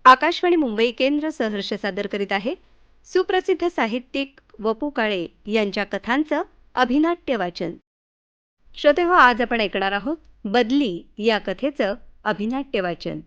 आकाशवाणी मुंबई केंद्र सहर्ष सादर करीत आहे सुप्रसिद्ध साहित्यिक वपू काळे यांच्या कथांचं अभिनाट्य वाचन. श्रोतेहो, आज आपण ऐकणार आहोत बदली या कथेचं अभिनाट्य वाचन.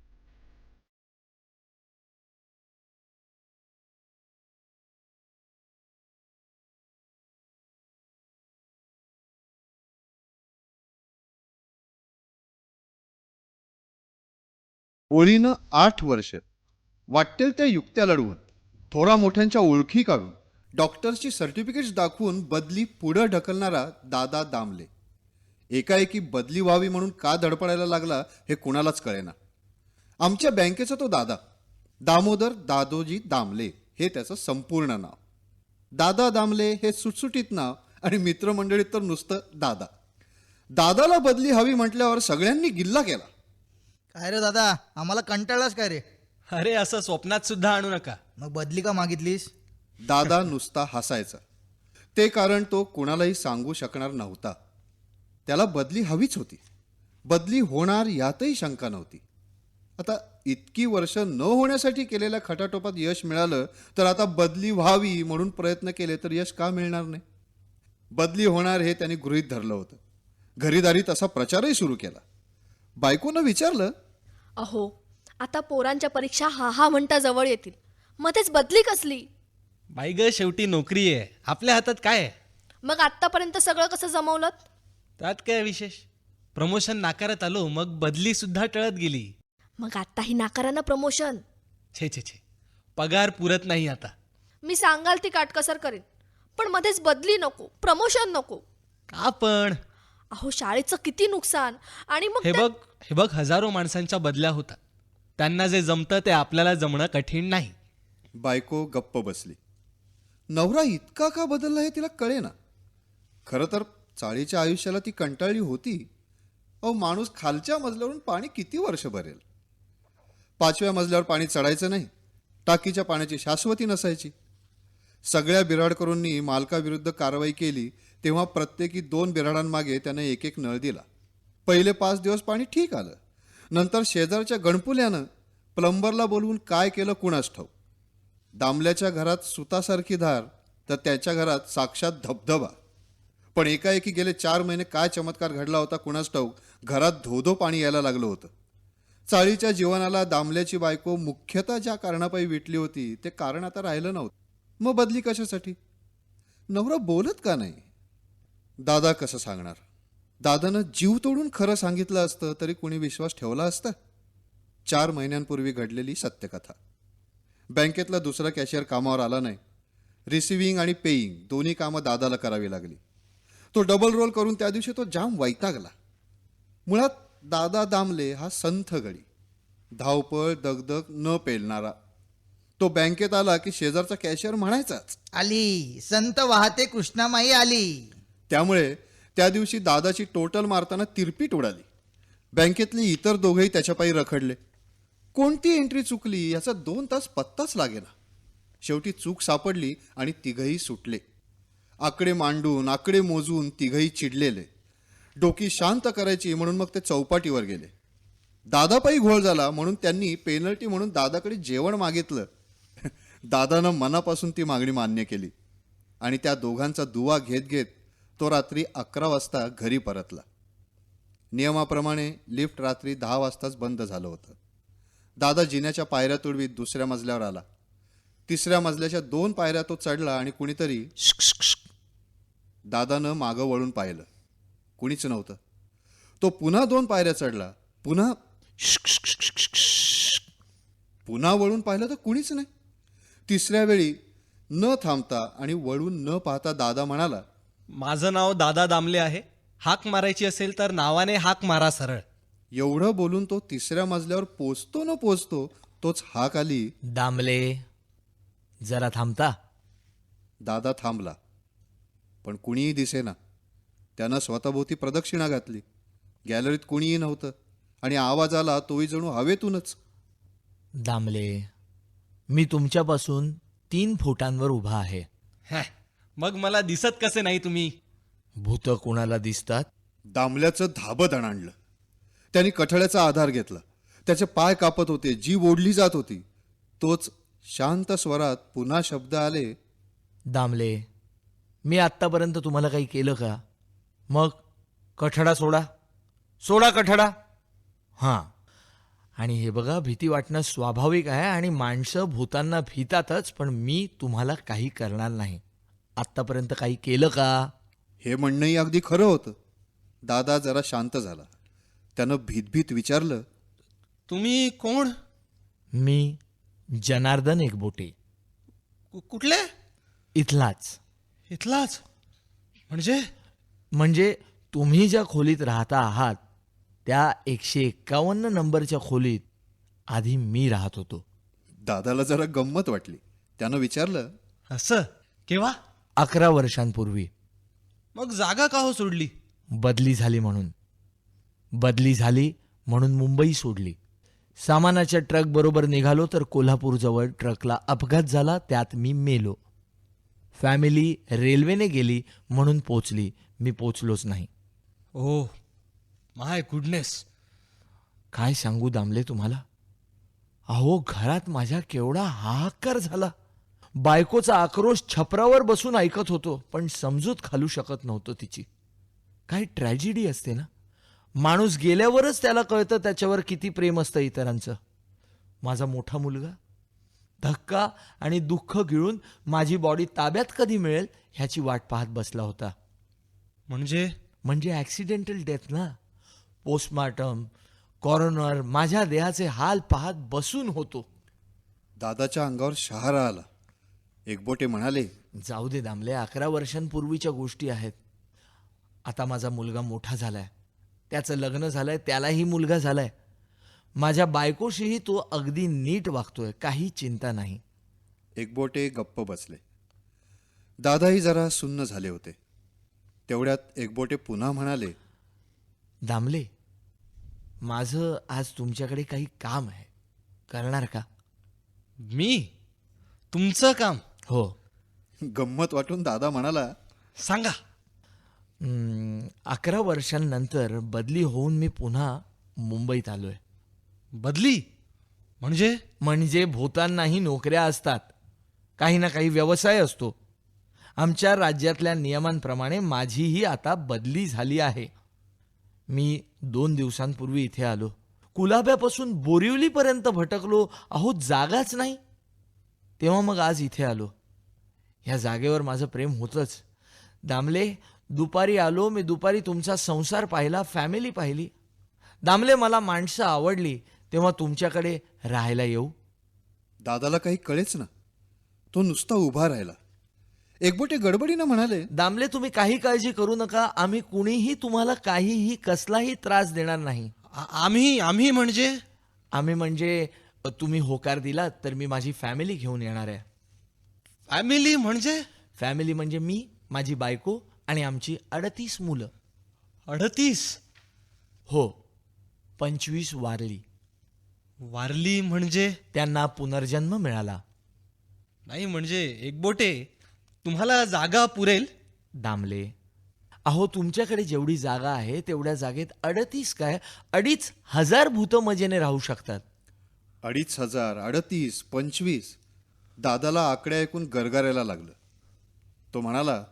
ओळीनं 8 वर्ष वाटेल त्या युक्त्या लढवून, थोरा मोठ्यांच्या ओळखी काढून, डॉक्टर्सची सर्टिफिकेट्स दाखवून बदली पुढं ढकलणारा दादा दामले. एकाएकी बदली व्हावी म्हणून का धडपडायला लागला हे कुणालाच कळेना. आमच्या बँकेचा तो दादा, दामोदर दादोजी दामले हे त्याचं संपूर्ण नाव. दादा दामले हे सुटसुटीत नाव आणि मित्रमंडळीत तर नुसतं दादा. दादाला बदली हवी म्हटल्यावर सगळ्यांनी गिल्ला केला. काय रे दादा, आम्हाला कंटाळलास काय रे? अरे असं स्वप्नात सुद्धा आणू नका. मग बदली का मागितलीस? दादा नुसता हसायचा. ते कारण तो कुणालाही सांगू शकणार नव्हता. त्याला बदली हवीच होती. बदली होणार यातही शंका नव्हती. आता इतकी वर्ष न होण्यासाठी केलेल्या खटाटोपात यश मिळालं, तर आता बदली व्हावी म्हणून प्रयत्न केले तर यश का मिळणार नाही? बदली होणार हे त्यांनी गृहीत धरलं होतं. घरीदारी तसा प्रचारही सुरू केला. बायकोनं विचारलं, अहो, आता पोरांच्या परीक्षा हा म्हणता जवळ येतील, मध्येच बदली कसली? बाई ग, शेवटी नोकरी आहे, आपल्या हातात काय आहे? मग आत्तापर्यंत सगळं कसं जमवलं? त्यात काय विशेष? प्रमोशन नाकारत आलो, मग बदली सुद्धा टळत गेली. मग आत्ताही नाकारानं प्रमोशन? छे छे छे, पगार पुरत नाही आता. मी सांगाल ती काटकसर करेन, पण मध्येच बदली नको, प्रमोशन नको. का पण? अहो, शाळेचं किती नुकसान. आणि मग हे बघ, हजारो माणसांच्या बदल्या होतात. त्यांना जे जमतं ते आपल्याला जमणं कठीण नाही. बायको गप्प बसली. नवरा इतका का बदलला हे तिला कळेना. खरं तर चाळीच्या आयुष्याला ती कंटाळली होती. अहो, माणूस खालच्या मजल्यावरून पाणी किती वर्ष भरेल? 5व्या मजल्यावर पाणी चढायचं नाही. टाकीच्या पाण्याची शाश्वती नसायची. सगळ्या बिराडकरूंनी मालकाविरुद्ध कारवाई केली तेव्हा प्रत्येकी 2 बिराडांमागे त्याने एक एक नळ दिला. पहिले 5 दिवस पाणी ठीक आलं. नंतर शेजारच्या गणपुल्यानं प्लंबरला बोलवून काय केलं कुणास ठाऊक. दामल्याच्या घरात सुतासारखी धार, तर त्याच्या घरात साक्षात धबधबा. पण एकाएकी गेले 4 महिने काय चमत्कार घडला होता कुणास ठाऊक, घरात धोधो पाणी यायला लागलं होतं. चाळीच्या जीवनाला दामल्याची बायको मुख्यतः ज्या कारणापायी विटली होती ते कारण आता राहिलं नव्हतं. मग बदली कशासाठी? नवरा बोलत का नाही? दादा कसं सांगणार? दादानं जीव तोडून खरं सांगितलं असतं तरी कुणी विश्वास ठेवला असता? 4 महिन्यांपूर्वी घडलेली सत्यकथा. बँकेतला दुसरा कॅशियर कामावर आला नाही. रिसिव्हिंग आणि पेईंग दोन्ही कामं दादाला करावी लागली. तो डबल रोल करून त्या दिवशी तो जाम वैतागला. मुळात दादा दामले हा संथ गडी, धावपळ दगदग न पेलणारा. तो बँकेत आला की शेजारचा कॅशियर म्हणायचाच, आली संत वाहते कृष्णामाई आली. त्यामुळे त्या दिवशी दादाची टोटल मारताना तिरपीट उडाली. बँकेतले इतर दोघेही त्याच्यापायी रखडले. कोणती एंट्री चुकली याचा 2 तास पत्ताच लागेना. शेवटी चूक सापडली आणि तिघही सुटले. आकडे मांडून आकडे मोजून तिघही चिडलेले. डोकी शांत करायची म्हणून मग ते चौपाटीवर गेले. दादापायी घोळ झाला म्हणून त्यांनी पेनल्टी म्हणून दादाकडे जेवण मागितलं. दादानं मनापासून ती मागणी मान्य केली आणि त्या दोघांचा दुवा घेत घेत तो रात्री 11 वाजता घरी परतला. नियमाप्रमाणे लिफ्ट रात्री 10 वाजताच बंद झालं होतं. दादा जिन्याच्या पायऱ्या तुडवीत दुसऱ्या मजल्यावर आला. 3ऱ्या मजल्याच्या 2 पायऱ्या तो चढला आणि कुणीतरी दादानं मागं वळून पाहिलं. कुणीच नव्हतं. तो पुन्हा 2 पायऱ्या चढला. पुन्हा वळून पाहिलं तर कुणीच नाही. 3ऱ्या वेळी न थांबता आणि वळून न पाहता दादा म्हणाला, माझं नाव दादा दामले आहे. हाक मारायची असेल तर नावाने हाक मारा सरळ. एवढं बोलून तो 3ऱ्या मजल्यावर पोचतो न पोचतो तोच हाक आली, दामले, जरा थांबता? दादा थांबला. पण कुणीही दिसेना. त्यानं स्वतःभोवती प्रदक्षिणा घातली. गॅलरीत कुणीही नव्हतं आणि आवाज आला तोही जणू हवेतूनच. दामले, मी तुमच्यापासून 3 फुटांवर उभा आहे. हॅ, मग मला दिसत कसे नाही तुम्ही? भूत कोणाला दिसतात? दामल्याचं धाबं दणाणलं. त्यांनी कठड्याचा आधार घेतला. त्याचे पाय कापत होते, जीभ ओढली जात होती. तोच शांत स्वरात पुन्हा शब्द आले, दामले, मी आत्तापर्यंत तुम्हाला काही केलं का? मग कठडा सोडा, सोडा कठडा. हां, आणि हे बघा, भीती वाटणं स्वाभाविक आहे आणि माणसं भूतांना भीतातच, पण मी तुम्हाला काही करणार नाही. आत्तापर्यंत काही केलं का? हे म्हणणंही अगदी खरं होतं. दादा जरा शांत झाला. त्यानं भीतभीत विचारलं, तुम्ही कोण? मी जनार्दन एकबोटे, कुठले? इथलाच. इथलाच म्हणजे? म्हणजे तुम्ही ज्या खोलीत राहता आहात त्या 151 नंबरच्या खोलीत आधी मी राहत होतो. दादाला जरा गंमत वाटली. त्यानं विचारलं, असं केव्हा? 11 वर्षांपूर्वी. मग जागा का हो सोडली? बदली झाली म्हणून. बदली झाली म्हणून मुंबई सोडली. सामानाच्या ट्रक बरोबर निघालो तर कोल्हापूरजवळ ट्रकला अपघात झाला, त्यात मी मेलो. फॅमिली रेल्वेने गेली म्हणून पोचली, मी पोचलोच नाही. Oh my goodness. काय सांगू दामले तुम्हाला, अहो घरात माझ्या केवढा हाहाकार झाला. बायकोचा आक्रोश छपरावर बसून ऐकत होतो, पण समजूत घालू शकत नव्हतो तिची. काय ट्रॅजेडी असते ना, माणूस गेल्यावरच त्याला कळतं त्याच्यावर किती प्रेम असतं इतरांचं. माझा मोठा मुलगा धक्का आणि दुःख गिळून माझी बॉडी ताब्यात कधी मिळेल ह्याची वाट पाहत बसला होता. म्हणजे ॲक्सिडेंटल डेथ ना. पोस्टमार्टम, कॉरोनर, माझ्या देहाचे हाल पाहत बसून होतो. दादाच्या अंगावर शहारा आला. एकबोटे म्हणाले, जाऊ दे दामले, 11 वर्षांपूर्वीच्या गोष्टी आहेत. आता माझा मुलगा मोठा झालाय, त्याचं लग्न झालंय, त्यालाही मुलगा झालाय. माझ्या बायकोशीही तो अगदी नीट वागतोय, काही चिंता नाही. एकबोटे गप्प बसले. दादाही जरा सुन्न झाले होते. तेवढ्यात एकबोटे पुन्हा म्हणाले, दामले, माझं आज तुमच्याकडे काही काम आहे, करणार का? मी? तुमचं काम? हो. गंमत वाटून दादा म्हणाला, सांगा. 11 वर्षांनंतर बदली होऊन मी पुन्हा मुंबईत आलोय. बदली म्हणजे? म्हणजे भूतांनाही नोकऱ्या असतात, काही ना काही व्यवसाय असतो. आमच्या राज्यातल्या नियमांप्रमाणे माझीही आता बदली झाली आहे. मी 2 दिवसांपूर्वी इथे आलो. कुलाब्यापासून बोरिवलीपर्यंत भटकलो, अहो जागाच नाही. तेव्हा मग आज इथे आलो. ह्या जागेवर माझं प्रेम होतंच. दामले, दुपारी आलो मी, दुपारी तुमचा संसार पाहिला, फॅमिली पाहिली. दामले, मला माणसं आवडली, तेव्हा तुमच्याकडे राहायला येऊ? दादाला काही कळेच ना. तो नुसता उभा राहिला. एकबोटे गडबडीनं म्हणाले, दामले, तुम्ही काही काळजी करू नका. आम्ही कुणीही तुम्हाला काहीही कसलाही त्रास देणार नाही. आम्ही म्हणजे? आम्ही म्हणजे तुम्ही होकार दिलात तर मी माझी फॅमिली घेऊन येणार आहे. फॅमिली म्हणजे? फॅमिली म्हणजे मी, माझी बायको आणि आमची 38 मुलं. 38? हो, 25 वारली. वारली म्हणजे? त्यांना पुनर्जन्म मिळाला. नाही म्हणजे एकबोटे, तुम्हाला जागा पुरेल? दामले, अहो तुमच्याकडे जेवढी जागा आहे तेवढ्या जागेत 38 काय 2,500 भूतं मजेने राहू शकतात. 2,500, 38, 25. दादाला आकडे ऐकून गरगरायला लागलं. तो म्हणाला,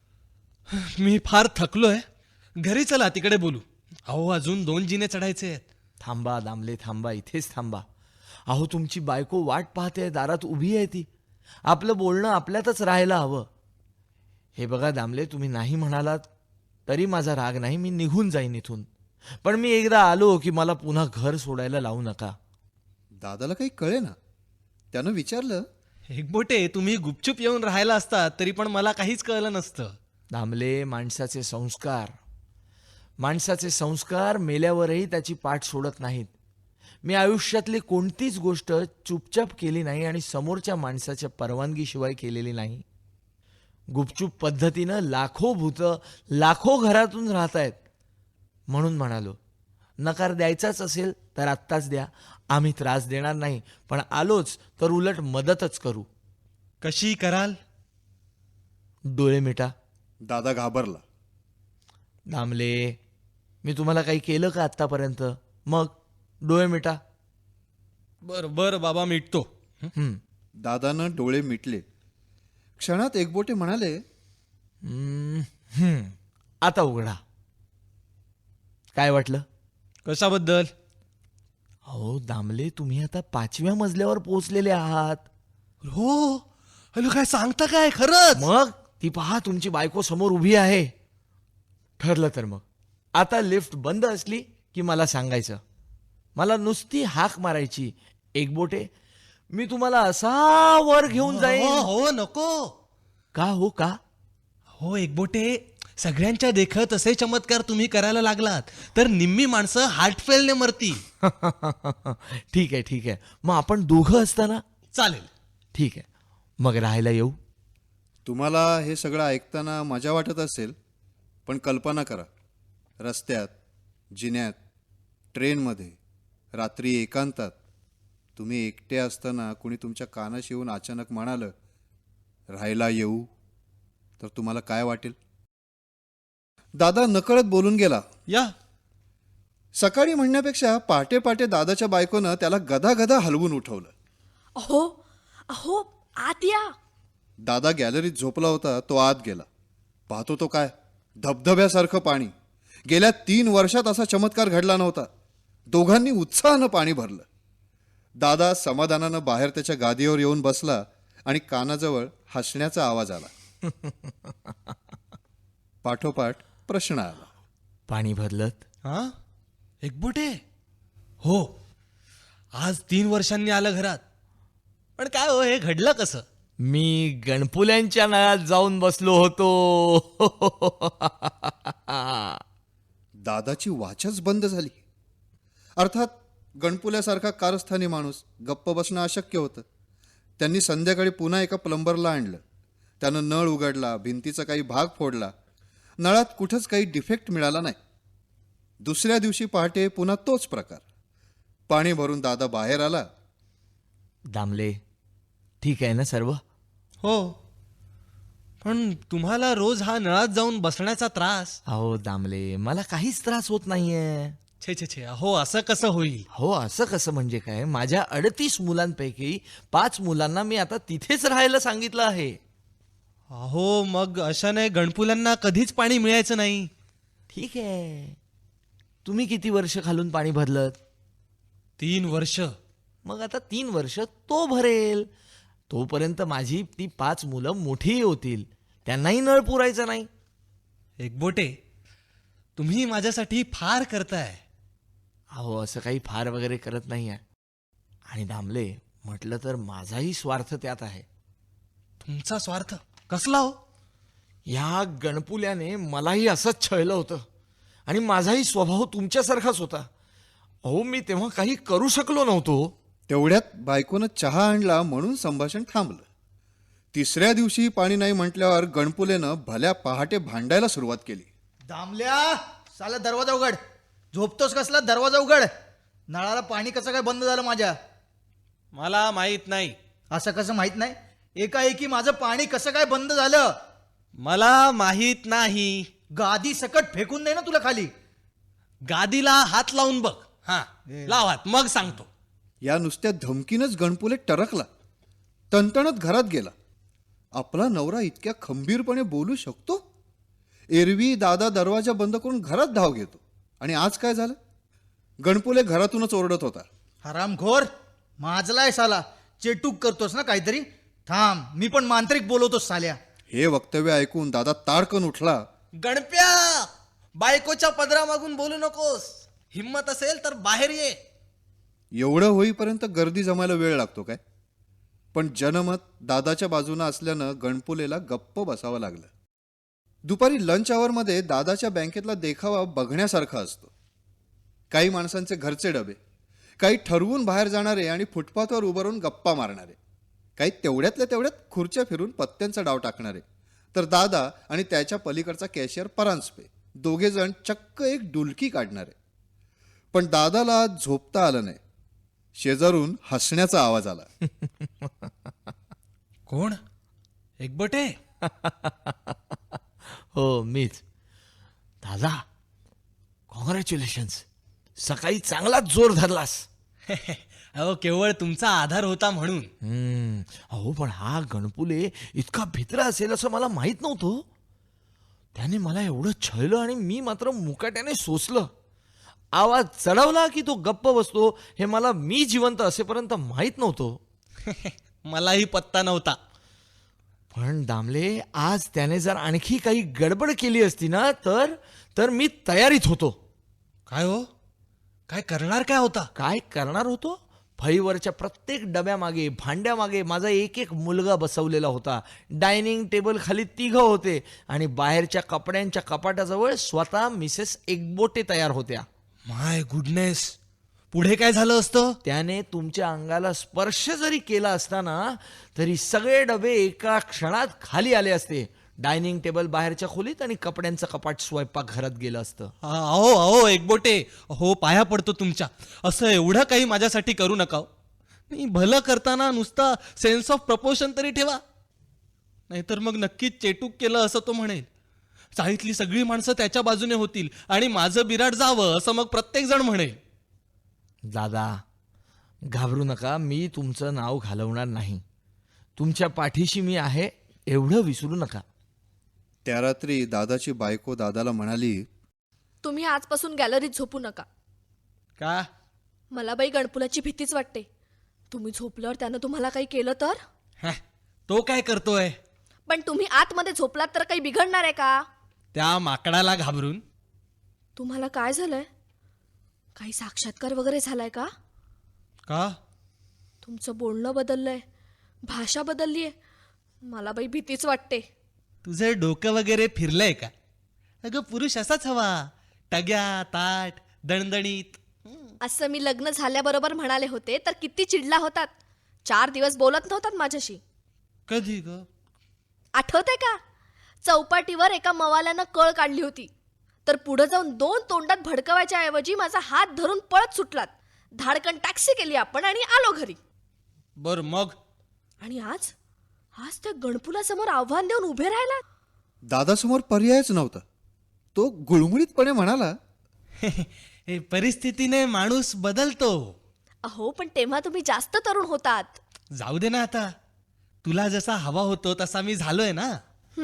मी फार थकलोय, घरी चला तिकडे बोलू. अहो अजून 2 जिने चढायचे आहेत. थांबा दामले, थांबा, इथेच थांबा. अहो तुमची बायको वाट पाहते, दारात उभी आहे ती. आपलं बोलणं आपल्यातच राहायला हवं. हे बघा दामले, तुम्ही नाही म्हणालात तरी माझा राग नाही, मी निघून जाईन इथून. पण मी एकदा आलो की मला पुन्हा घर सोडायला लावू नका. दादाला काही कळे ना. त्यानं विचारलं, एकबोटे, तुम्ही गुपचूप येऊन राहायला असता तरी पण मला काहीच कळलं नसतं. दामले, माणसाचे संस्कार मेल्यावरही त्याची पाठ सोडत नाहीत. मी आयुष्यातली कोणतीच गोष्ट चुपचाप केली नाही आणि समोरच्या माणसाच्या परवानगीशिवाय केलेली नाही. गुपचूप पद्धतीनं लाखो भूतं लाखो घरातून राहत आहेत. म्हणून म्हणालो, नकार द्यायचाच असेल तर आत्ताच द्या, आम्ही त्रास देणार नाही, पण आलोच तर उलट मदतच करू. कशी कराल? डोळे मिटा. दादा घाबरला. दामले, मी तुम्हाला काही केलं का आत्तापर्यंत? मग डोळे मिटा. बरं बरं बाबा मिटतो. हं. दादानं डोळे मिटले. क्षणात एकबोटे म्हणाले, आता उघडा. काय वाटलं? कशाबद्दल? अहो दामले, तुम्ही आता 5व्या मजल्यावर पोहोचलेले आहात. हो. हॅलो, काय सांगता काय खरंच? मग ती पहा, तुमची बायको समोर उभी आहे. ठरलं तर मग आता लिफ्ट बंद असली की मला सांगायचं. मला नुसती हाक मारायची, एकबोटे, मी तुम्हाला असा वर घेऊन हो जाईन. हो नको. का हो का? हो एकबोटे, सगळ्यांच्या देखत असे चमत्कार तुम्ही करायला लागलात तर निम्मी माणसं हार्ट फेलने मरती. ठीक आहे ठीक आहे, मग आपण दोघं असताना. चालेल. ठीक आहे, मग राहायला येऊ. तुम्हाला हे सगळं ऐकताना मजा वाटत असेल, पण कल्पना करा, रस्त्यात, जिन्यात, ट्रेनमध्ये, रात्री एकांतात तुम्ही एकटे असताना कुणी तुमच्या कानाशी येऊन अचानक म्हणालं, राहायला येऊ, तर तुम्हाला काय वाटेल? दादा नकळत बोलून गेला. या. सकाळी म्हणण्यापेक्षा पहाटे पहाटे दादाच्या बायकोनं त्याला गदा हलवून उठवलं. अहो अहो आत या. दादा गॅलरीत झोपला होता, तो आत गेला. पाहतो तो काय, धबधब्यासारखं पाणी. गेल्या 3 वर्षात असा चमत्कार घडला नव्हता. दोघांनी उत्साहानं पाणी भरलं. दादा समाधानानं बाहेर त्याच्या गादीवर येऊन बसला आणि कानाजवळ हसण्याचा आवाज आला. पाठोपाठ प्रश्न आला. पाणी भरलत? हा एकबोटे? हो, आज 3 वर्षांनी आलं घरात. पण काय हो, हे घडलं कसं? मी गणपुल्यांच्या नळात जाऊन बसलो होतो. दादाची वाचच बंद झाली. अर्थात गणपुल्यासारखा कारस्थानी माणूस गप्प बसणं अशक्य होतं. त्यांनी संध्याकाळी पुन्हा एका प्लंबरला आणलं. त्यानं नळ उघडला, भिंतीचा काही भाग फोडला. नळात कुठंच काही डिफेक्ट मिळाला नाही. दुसऱ्या दिवशी पहाटे पुन्हा तोच प्रकार. पाणी भरून दादा बाहेर आला. दामले, ठीक आहे ना सर्व? हो, पण तुम्हाला रोज हा नळात जाऊन बसण्याचा त्रास. अहो दामले, मला काहीच त्रास होत नाहीये. छे छे छे, अहो असं कसं होईल? हो, असं कसं म्हणजे काय? माझ्या 38 मुलांपैकी 5 मुलांना मी आता तिथेच राहायला सांगितलं आहे. अहो मग अशाने गणपुल्यांना कधीच पाणी मिळायचं नाही. ठीक आहे, तुम्ही किती वर्ष खालून पाणी भरलं? 3 वर्ष. मग आता 3 वर्ष तो भरेल. तोपर्यंत माझी ती 5 मुलं मोठी होतील, त्यांनाही नळ पुरायचा नाही. एकबोटे, तुम्ही माझ्यासाठी फार करताय. अहो असं काही फार वगैरे करत नाही आहे. आणि दामले, म्हटलं तर माझाही स्वार्थ त्यात आहे. तुमचा स्वार्थ कसला हो? या गणपुल्याने मलाही असंच छळलं होतं आणि माझाही स्वभाव तुमच्यासारखाच होता. अहो मी तेव्हा काही करू शकलो नव्हतो. तेवढ्यात बायकोनं चहा आणला म्हणून संभाषण थांबलं. 3ऱ्या दिवशी पाणी नाही म्हटल्यावर गणपुलेनं भल्या पहाटे भांडायला सुरुवात केली. दामल्या, साला दरवाजा उघड. झोपतोस कसला? दरवाजा उघड. नळाला पाणी कसं काय बंद झालं माझ्या? मला माहित नाही. असं कसं माहित नाही? एकाएकी माझं पाणी कसं काय बंद झालं? मला माहित नाही. गादी सकट फेकून दे ना तुला खाली. गादीला हात लावून बघ. हा, लाव हात, मग सांगतो. या नुसत्या धमकीनंच गणपुले टरकला. तणतणत घरात गेला. आपला नवरा इतक्या खंबीरपणे बोलू शकतो? एरवी दादा दरवाजा बंद करून घरात धाव घेतो, आणि आज काय झालं? गणपुले घरातूनच ओरडत होता. हरामखोर, माजलाय साला. चेटूक करतोस ना काहीतरी? थांब, मी पण मांत्रिक बोलवतोस साल्या. हे वक्तव्य ऐकून दादा ताडकन उठला. गणप्या, बायकोच्या पदरामागून बोलू नकोस. हिम्मत असेल तर बाहेर ये. एवढं होईपर्यंत गर्दी जमायला वेळ लागतो काय? पण जनमत दादाच्या बाजूनं असल्यानं गणपुलेला गप्प बसावं लागलं. दुपारी लंच आवरमध्ये दादाच्या बँकेतला देखावा बघण्यासारखा असतो. काही माणसांचे घरचे डबे, काही ठरवून बाहेर जाणारे आणि फुटपाथवर उभं राहून गप्पा मारणारे, काही तेवढ्यातल्या तेवढ्यात खुर्च्या फिरून पत्त्यांचा डाव टाकणारे, तर दादा आणि त्याच्या पलीकडचा कॅशियर परांजपे, दोघेजण चक्क एक डुलकी काढणारे. पण दादाला झोपता आलं नाही. शेजारून हसण्याचा आवाज आला. कोण? एकबोटे? हो मीच. दादा, कॉंग्रॅच्युलेशन्स, सकाळी चांगलाच जोर धरलास. अहो केवळ तुमचा आधार होता म्हणून. अहो पण हा गणपुले इतका भित्रा असेल असं मला माहित नव्हतं. त्याने मला एवढं छळलं आणि मी मात्र मुकाट्याने सोसलं. आवाज चढवला की तो गप्प बसतो हे मला मी जिवंत असेपर्यंत माहित नव्हतं. मलाही पत्ता नव्हता. पण दामले, आज त्याने जर आणखी काही गडबड केली असती ना तर मी तयारीत होतो. काय हो, काय करणार काय होता? काय करणार होतो? फळीवरच्या प्रत्येक डब्यामागे भांड्यामागे माझा एक एक मुलगा बसवलेला होता. डायनिंग टेबल खाली 3 होते आणि बाहेरच्या कपड्यांच्या कपाटाजवळ स्वतः मिसेस एकबोटे तयार होत्या. माय गुडनेस, पुढे काय झालं असतं? त्याने तुमच्या अंगाला स्पर्श जरी केला असता ना तरी सगळे डबे एका क्षणात खाली आले असते. डायनिंग टेबल बाहेरच्या खोलीत आणि कपड्यांचं कपाट स्वयंपाकघरात गेलं असतं. अहो अहो एकबोटे, हो पाया पडतो तुमच्या. असं एवढं काही माझ्यासाठी करू नका हो. नाही, भलं करताना नुसता सेन्स ऑफ प्रपोर्शन तरी ठेवा. नाहीतर मग नक्कीच चेटूक केलं असं तो म्हणेल. चाळीतली सगळी माणसं त्याच्या बाजूने होतील आणि माझं बिराड जावं असं मग प्रत्येक जण म्हणेल. दादा, घाबरू नका, मी तुमचं नाव घालवणार नाही. तुमच्या पाठीशी मी आहे एवढं विसरू नका. त्या रात्री दादाची बायको दादाला म्हणाली, तुम्ही आजपासून गॅलरीत झोपू नका. का? मला बाई गणपुलाची भीतीच वाटते. तुम्ही झोपल्यावर त्यानं तुम्हाला काही केलं तर? हं, तो काय करतोय? पण तुम्ही आतमध्ये झोपलात तर काही बिघडणार आहे का? त्या माकडाला घाबरून? तुम्हाला काय झालंय? काही साक्षात्कार वगैरे झालाय का? का? तुमचं बोलणं बदललंय, भाषा बदललीये. मला बाई भीतीच वाटते. तुझं डोकं वगैरे फिरलंय का? अगं पुरुष असाच हवा, टग्या ताट दणदणीत. असं मी लग्न झाल्याबरोबर म्हणाले होते तर किती चिडला होतात. 4 दिवस बोलत नव्हतात माझ्याशी. कधी ग? आठवतंय का? चौपाटीवर एका मवाल्यानं कळ काढली होती तर पुढे जाऊन 2 तोंडात भडकवायच्या ऐवजी माझा हात धरून पळत सुटलात. धाडकन टॅक्सी केली आपण आणि आलो घरी. बर मग? आणि आज त्या गणपुलासमोर आव्हान देऊन उभे राहिला. दादासमोर पर्यायच नव्हता. तो गुळमुळीतपणे म्हणाला, हे परिस्थितीने माणूस बदलतो. अहो पण तेव्हा तुम्ही जास्त तरुण होतात. जाऊ दे ना आता. तुला जसा हवा होतो तसा मी झालोय ना.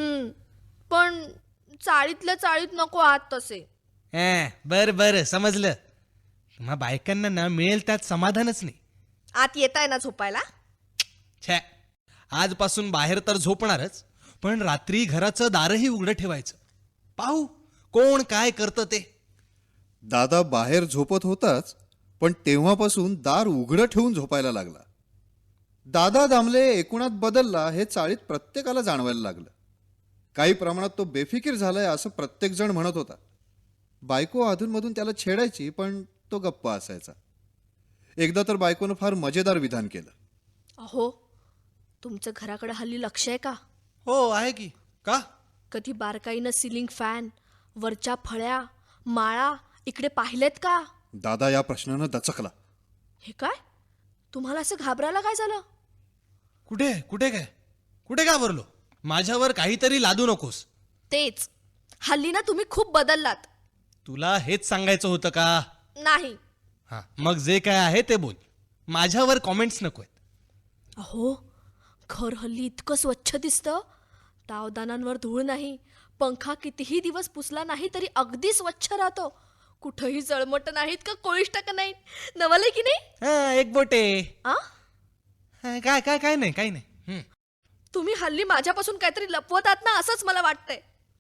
पण चाळीतल्या चाळीत नको आहात तसे. बर बर समजलं. तुम्हा बायकांना ना मिळेल त्यात समाधानच नाही. आत येताय ना झोपायला? छे, आजपासून बाहेर तर झोपणारच, पण रात्री घराचं दारही उघडं ठेवायचं. पाहू कोण काय करतं ते. दादा बाहेर झोपत होताच, पण तेव्हापासून दार उघडं ठेवून झोपायला लागला. दादा दामले एकूणात बदलला हे चाळीत प्रत्येकाला जाणवायला लागलं. काही प्रमाणात तो बेफिकीर झालाय असं प्रत्येकजण म्हणत होता. बायको अधूनमधून त्याला छेडायची, पण तो गप्प असायचा. एकदा तर बायकोनं फार मजेदार विधान केलं. अहो तुमचं घराकडे हल्ली लक्ष आहे का? हो आहे की. का? कधी बारकाईनं सिलिंग फॅन, वरच्या फळ्या, माळा इकडे पाहिलेत का? दादा या प्रश्नानं दचकला. हे काय? तुम्हाला असं घाबरायला काय झालं? कुठे कुठे काय? कुठे घाबरलो? माझ्यावर काहीतरी लादू नकोस. तेच, हल्ली ना तुम्ही खूप बदललात. तुला हेच सांगायचं होतं का? नाही. हा, मग जे काय आहे ते बोल. माझ्यावर कॉमेंट्स नकोय. अहो घर हल्ली इतकं स्वच्छ दिसतं. तावदानांवर धूळ नाही, पंखा कितीही दिवस पुसला नाही तरी अगदी स्वच्छ राहतो. कुठंही जळमट नाहीत का कोळिष्टक नाहीत. नवलंय की नाही? एक बोटे. आ? काय काय काय नाही काही नाही. तुम्ही हल्ली माझ्यापासून काहीतरी लपवतात ना असंच मला वाटतंय.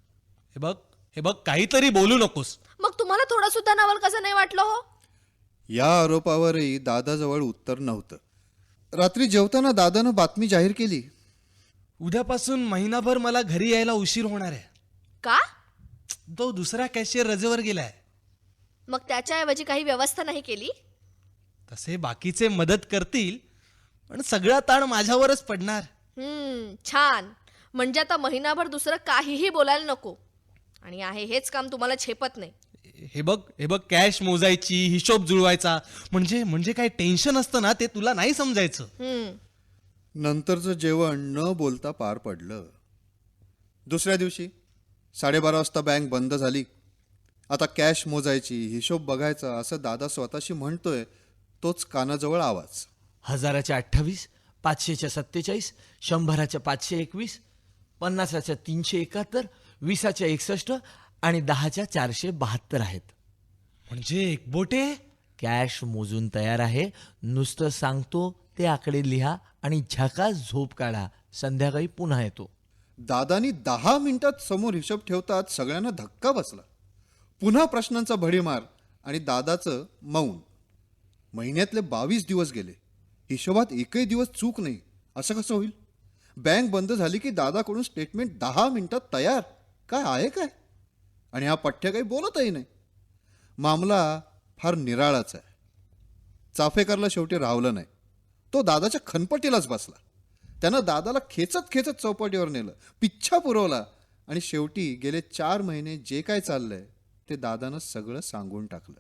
हे बघ काहीतरी बोलू नकोस. मग तुम्हाला थोडं सुद्धा नवल कसं नाही वाटलं हो? या आरोपावरही दादाजवळ उत्तर नव्हतं. रात्री जेवताना दादानं बातमी जाहीर केली. उद्यापासून महिनाभर मला घरी यायला उशीर होणार आहे. का? तो दुसरा कॅशियर रजेवर गेलाय. मग त्याच्याऐवजी काही व्यवस्था नाही केली? तसे बाकीचे मदत करतील, पण सगळा ताण माझ्यावरच पडणार. छान. म्हणजे आता महिनाभर दुसरं काहीही बोलायला नको. आणि आहे हेच काम तुम्हाला झेपत नाही. हे बघ कॅश मोजायची, हिशोब जुळवायचा, म्हणजे काय टेन्शन असतं ना ते तुला नाही समजायचं. नंतरचं जेवण न बोलता पार पडलं. दुसऱ्या दिवशी 12:30 वाजता बँक बंद झाली. आता कॅश मोजायची, हिशोब बघायचा असं दादा स्वतःशी म्हणतोय तोच कानाजवळ आवाज. 1000च्या 28, 500च्या 47, 100च्या 521, 50च्या 371, 20च्या 61 आणि 10च्या 472 आहेत. म्हणजे एकबोटे? कॅश मोजून तयार आहे. नुसतं सांगतो ते आकडे लिहा आणि झकास झोप काढा. संध्याकाळी पुन्हा येतो. दादानी 10 मिनिटात समोर हिशोब ठेवतात सगळ्यांना धक्का बसला. पुन्हा प्रश्नांचा भडीमार आणि दादाचं मौन. महिन्यातले 22 दिवस गेले. हिशोबात एकही दिवस चूक नाही. असं कसं होईल? बँक बंद झाली की दादाकडून स्टेटमेंट 10 मिनिटात तयार. काय आहे काय? आणि हा पठ्य काही बोलतही नाही. मामला फार निराळाच आहे. चाफेकरला शेवटी राहवलं नाही. तो दादाच्या खनपटीलाच बसला. त्यानं दादाला खेचत खेचत चौपाटीवर नेलं, पिच्छा पुरवला आणि शेवटी गेले 4 महिने जे काय चाललंय ते दादानं सगळं सांगून टाकलं.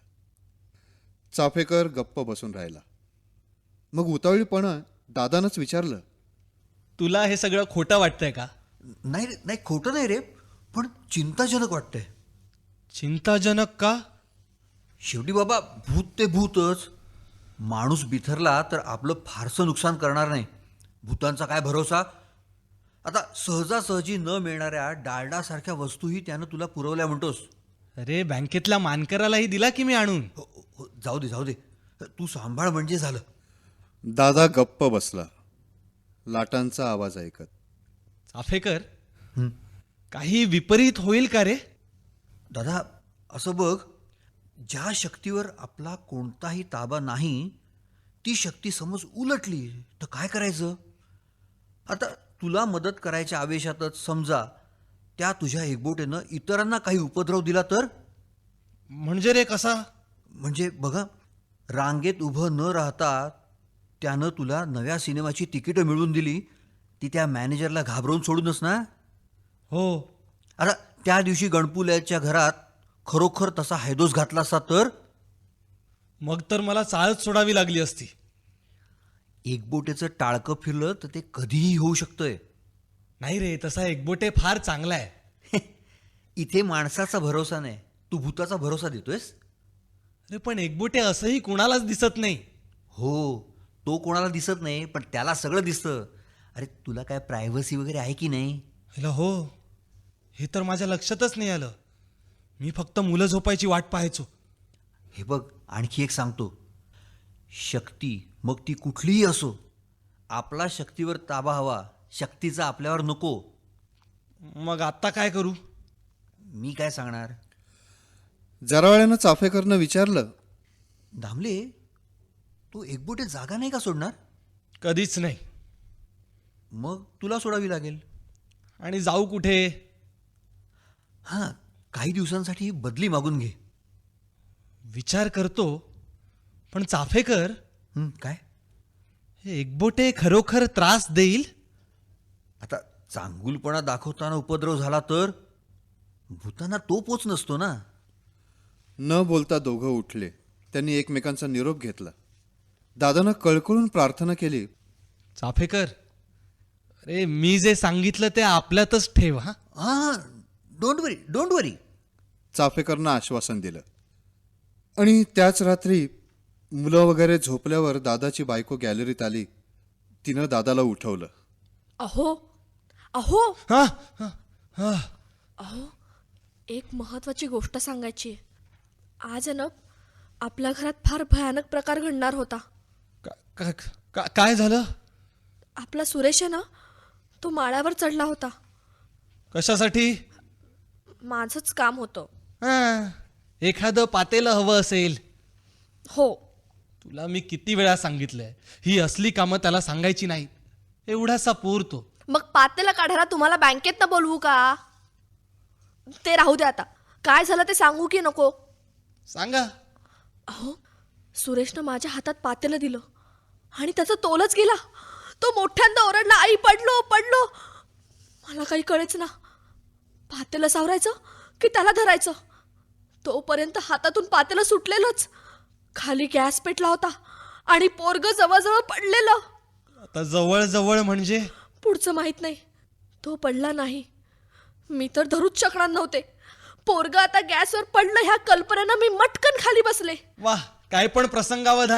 चाफेकर गप्प बसून राहिला. मग उतावळीपणं दादानंच विचारलं, तुला हे सगळं खोटं वाटतंय का? नाही रे, नाही खोटं नाही रे, पण चिंताजनक वाटतंय. चिंताजनक का? शेवटी बाबा भूत ते भूतच. माणूस बिथरला तर आपलं फारसं नुकसान करणार नाही. भूतांचा काय भरोसा. आता सहजासहजी न मिळणाऱ्या डालडासारख्या वस्तूही त्यानं तुला पुरवल्या म्हणतोस. अरे बँकेतल्या मानकरालाही दिला की मी आणून. हो, जाऊ दे जाऊ दे, तू सांभाळ म्हणजे झालं. दादा गप्प बसला, लाटांचा आवाज ऐकत. चाफेकर, काही विपरीत होईल का रे? दादा असं बघ, ज्या शक्तीवर आपला कोणताही ताबा नाही ती शक्ती समज उलटली तर काय करायचं. आता तुला मदत करायच्या आवेशातच समजा त्या तुझ्या एकबोटेनं इतरांना काही उपद्रव दिला तर. म्हणजे रे कसा? म्हणजे बघा, रांगेत उभं न राहता त्यानं तुला नव्या सिनेमाची तिकीटं मिळवून दिली, ती त्या मॅनेजरला घाबरवून सोडूनच ना. हो. आता त्या दिवशी गणपुल्याच्या घरात खरोखर तसा हैदोस घातला असता तर. मग तर मला चाळच सोडावी लागली असती. एकबोटेचं टाळकं फिरलं तर ते कधीही होऊ शकतंय. नाही रे, तसा एकबोटे फार चांगला आहे. इथे माणसाचा भरोसा नाही, तू भूताचा भरोसा देतोयस. अरे पण एकबोटे असंही कुणालाच दिसत नाही. हो, तो कोणाला दिसत नाही पण त्याला सगळं दिसतं. अरे तुला काय प्रायव्हसी वगैरे आहे की नाही. हॅलो, हो, हे तर माझ्या लक्षातच नाही आलं. मी फक्त मुलं झोपायची वाट पाहायचो. हे बघ, आणखी एक सांगतो. शक्ती मग ती कुठलीही असो, आपला शक्तीवर ताबा हवा, शक्तीचा आपल्यावर नको. मग आता काय करू? मी काय सांगणार. जरा वेळानं चाफेकरनं विचारलं, दामले, तू एकबोटे जागा नाही का सोडणार. कधीच नाही. मग तुला सोडावी लागेल. आणि जाऊ कुठे? हां, काही दिवसांसाठी बदली मागून घे. विचार करतो, पण चाफेकर, काय. हे एकबोटे खरोखर त्रास देईल? आता चांगुलपणा दाखवताना उपद्रव झाला तर. भूतांना तो पोच नसतो ना. न बोलता दोघं उठले. त्यांनी एकमेकांचा निरोप घेतला. दादानं कळकळून प्रार्थना केली, चाफेकर, अरे मी जे सांगितलं ते आपल्यातच ठेव. हा, हां, डोंट वरी. चाफेकरनं आश्वासन दिलं. आणि त्याच रात्री मुलं वगैरे झोपल्यावर दादाची बायको गॅलरीत आली. तिनं दादाला उठवलं. अहो अहो हा, हा, हा. अहो, एक महत्वाची गोष्ट सांगायची आहे. आज आहे ना, आपल्या घरात फार भयानक प्रकार घडणार होता. काय झालं? आपला सुरेश आहे ना, तो माळ्यावर चढला होता. कशासाठी? माझंच काम होतं. हा, एखादं पातेलं हवं असेल. हो, तुला मी किती वेळा सांगितलंय, ही असली कामं त्याला सांगायची नाही. एवढासा पोर तो. मग पातेला काढायला तुम्हाला बँकेतनं बोलवू का? ते राहू दे आता. काय झालं ते सांगू की नको? सांगा. अहो, सुरेशनं माझ्या हातात पातेलं दिलं आणि त्याचा तोलच गेला. तो मोठ्यांदा ओरडला, आई पडलो पडलो. मला काही कळेच ना. पातेलं सावरायचं की त्याला धरायचं. तोपर्यंत हातातून पातेलं सुटलेलंच. खाली गॅस पेटला होता आणि पोरग जवळजवळ पडलेलं. आता जवळ जवळ म्हणजे? पुढचं माहित नाही. तो पडला नाही. मी तर धरूच शकणार नव्हते. पोरग आता गॅसवर पडलं ह्या कल्पनेनं मी मटकन खाली बसले. वाह, काय पण प्रसंगावधान आहे.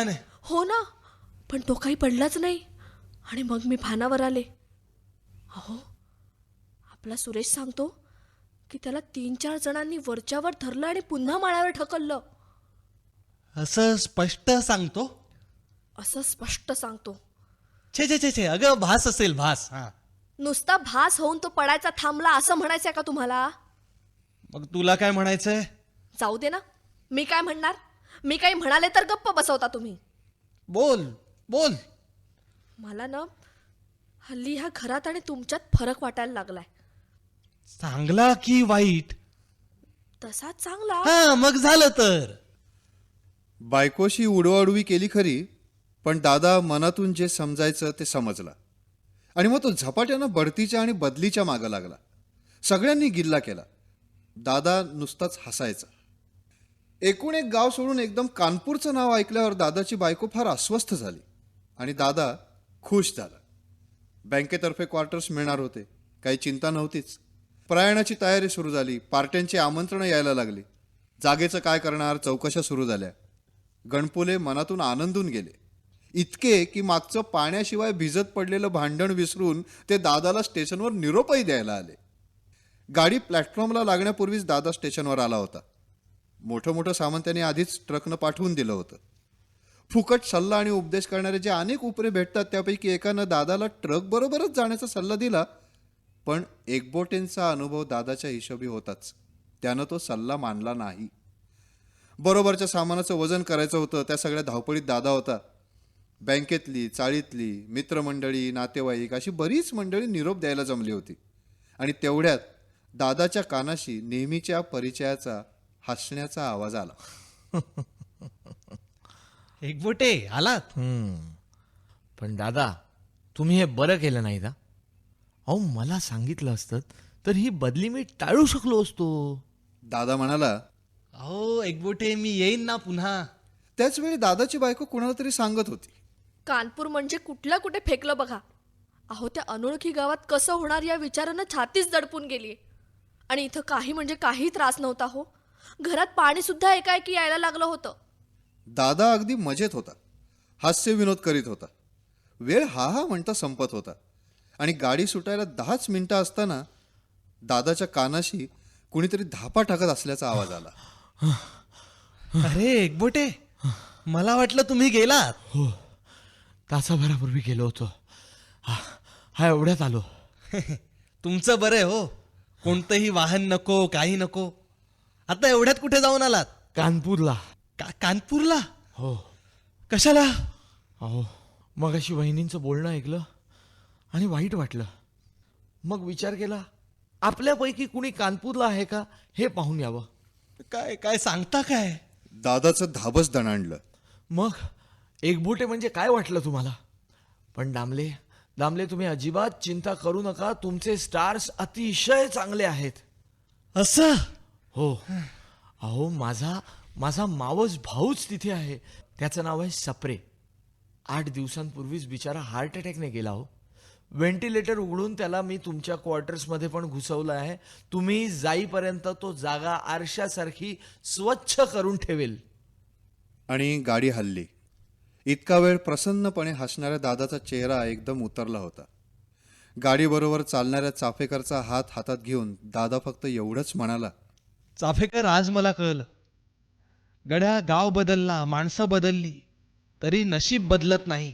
हो ना, पण तो काही पडलाच नाही. आणि मग मी भानावर आले. अहो, आपला सुरेश सांगतो की त्याला 3-4 जणांनी वरच्यावर धरलं आणि पुन्हा माळ्यावर ढकललं. असं स्पष्ट सांगतो? असं स्पष्ट सांगतो. छे छे छे छे, अगं भास असेल, भास. हा, नुसता भास होऊन तो पडायचा थांबला असं म्हणायचंय का तुम्हाला? मग तुला काय म्हणायचंय? जाऊ दे ना, मी काय म्हणणार? मी काही म्हणाले तर गप्प बसवता तुम्ही. बोल बोल. मला ना हल्ली ह्या घरात आणि तुमच्यात फरक वाटायला लागलाय. चांगला की वाईट? तसा चांगला. हा, मग झालं तर. बायकोशी उडवाउडवी केली खरी, पण दादा मनातून जे समजायचं ते समजला. आणि मग तो झपाट्यानं बढतीच्या आणि बदलीच्या मागं लागला. सगळ्यांनी गिल्ला केला. दादा नुसताच हसायचा. एकूण एक गाव सोडून एकदम कानपूरचं नाव ऐकल्यावर दादाची बायको फार अस्वस्थ झाली आणि दादा खुश झाला. बँकेतर्फे क्वार्टर्स मिळणार होते, काही चिंता नव्हतीच. प्रयाणाची तयारी सुरू झाली. पार्ट्यांची आमंत्रणं यायला लागली. जागेचं काय करणार चौकशा सुरू झाल्या. गणपुले मनातून आनंदून गेले, इतके की मागचं पाण्याशिवाय भिजत पडलेलं भांडण विसरून ते दादाला स्टेशनवर निरोपही द्यायला आले. गाडी प्लॅटफॉर्मला लागण्यापूर्वीच दादा स्टेशनवर आला होता. मोठं मोठं सामान त्याने आधीच ट्रकनं पाठवून दिलं होतं. फुकट सल्ला आणि उपदेश करणारे जे अनेक उपरे भेटतात त्यापैकी एकानं दादाला ट्रक बरोबरच जाण्याचा सल्ला दिला. पण एकबोटेंचा अनुभव दादाच्या हिशोबी होताच. त्यानं तो सल्ला मानला नाही. बरोबरच्या सामानाचं वजन करायचं होतं. त्या सगळ्या धावपळीत दादा होता. बँकेतली, चाळीतली, मित्रमंडळी, नातेवाईक अशी बरीच मंडळी निरोप द्यायला जमली होती. आणि तेवढ्यात दादाच्या कानाशी नेहमीच्या परिचयाचा हसण्याचा आवाज आला. एकबोटे आलात? पण दादा, तुम्ही हे बरं केलं नाही का? अहो, मला सांगितलं असतं तर ही बदली मी टाळू शकलो असतो. दादा म्हणाला. अहो एकबोटे, मी येईन ना पुन्हा. त्याच वेळी दादाची बायको कुणाला तरी सांगत होती. कानपूर म्हणजे कुठल्या कुठे फेकलं बघा. अहो, त्या अनोळखी गावात कसं होणार या विचारानं छातीच दडपून गेली. आणि इथं काही म्हणजे काही त्रास नव्हता हो. घरात पाणी सुद्धा एकाएकी यायला लागलं होतं. दादा अगदी मजेत होता. हास्य विनोद करीत होता. वेळ हा म्हणता संपत होता. आणि गाडी सुटायला 10च मिनिटं असताना दादाच्या कानाशी कुणीतरी धापा टाकत असल्याचा आवाज आला. अरे एकबोटे, मला वाटलं तुम्ही गेलात. हो, तासाभरापूर्वी गेलो होतो. हा एवढ्यात आलो. तुमचं बरं आहे हो. कोणतंही वाहन नको, काही नको. आता एवढ्यात कुठे जाऊन आलात? कानपूरला. कानपूरला? हो. कशाला? अहो, मग अशी वहिनींचं बोलणं ऐकलं आणि वाईट वाटलं. मग विचार केला, आपल्यापैकी कुणी कानपूरला आहे का हे पाहून यावं. काय काय सांगता काय? दादाचं धाबच दणाणलं. मग एकबोटे म्हणजे काय वाटलं तुम्हाला? पण दामले तुम्ही अजिबात चिंता करू नका. तुमचे स्टार्स अतिशय चांगले आहेत. असं? हो. अहो, माझा मावस भाऊच तिथे आहे. त्याचं नाव आहे सप्रे. 8 दिवसांपूर्वीच बिचारा हार्ट अटॅकने गेला हो. व्हेंटिलेटर उघडून त्याला मी तुमच्या क्वार्टर्समध्ये पण घुसवलं आहे. तुम्ही जाईपर्यंत तो जागा आरशासारखी स्वच्छ करून ठेवेल. आणि गाडी हलली. इतका वेळ प्रसन्नपणे हसणाऱ्या दादाचा चेहरा एकदम उतरला होता. गाडीबरोबर चालणाऱ्या चाफेकरचा हात हातात घेऊन दादा फक्त एवढंच म्हणाला. चाफेकर, आज मला कळलं. गड्या, गाव बदलला, माणसं बदलली, तरी नशीब बदलत नाही.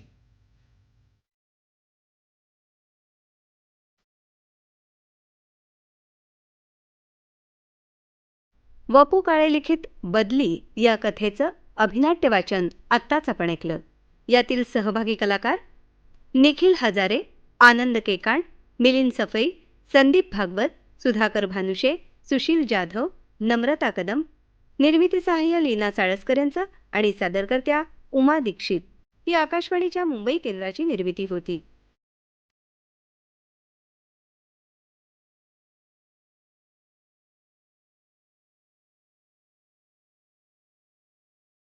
वपू काळे लिखित बदली या कथेचं अभिनाट्य वाचन आत्ताच आपण ऐकलं. यातील सहभागी कलाकार निखिल हजारे, आनंद केकाण, मिलिंद सफई, संदीप भागवत, सुधाकर भानुशे, सुशील जाधव, नम्रता कदम. निर्मिती सहाय्य लीना साळसकर यांचं आणि सादरकर्त्या उमा दीक्षित. ही आकाशवाणीच्या मुंबई केंद्राची निर्मिती होती.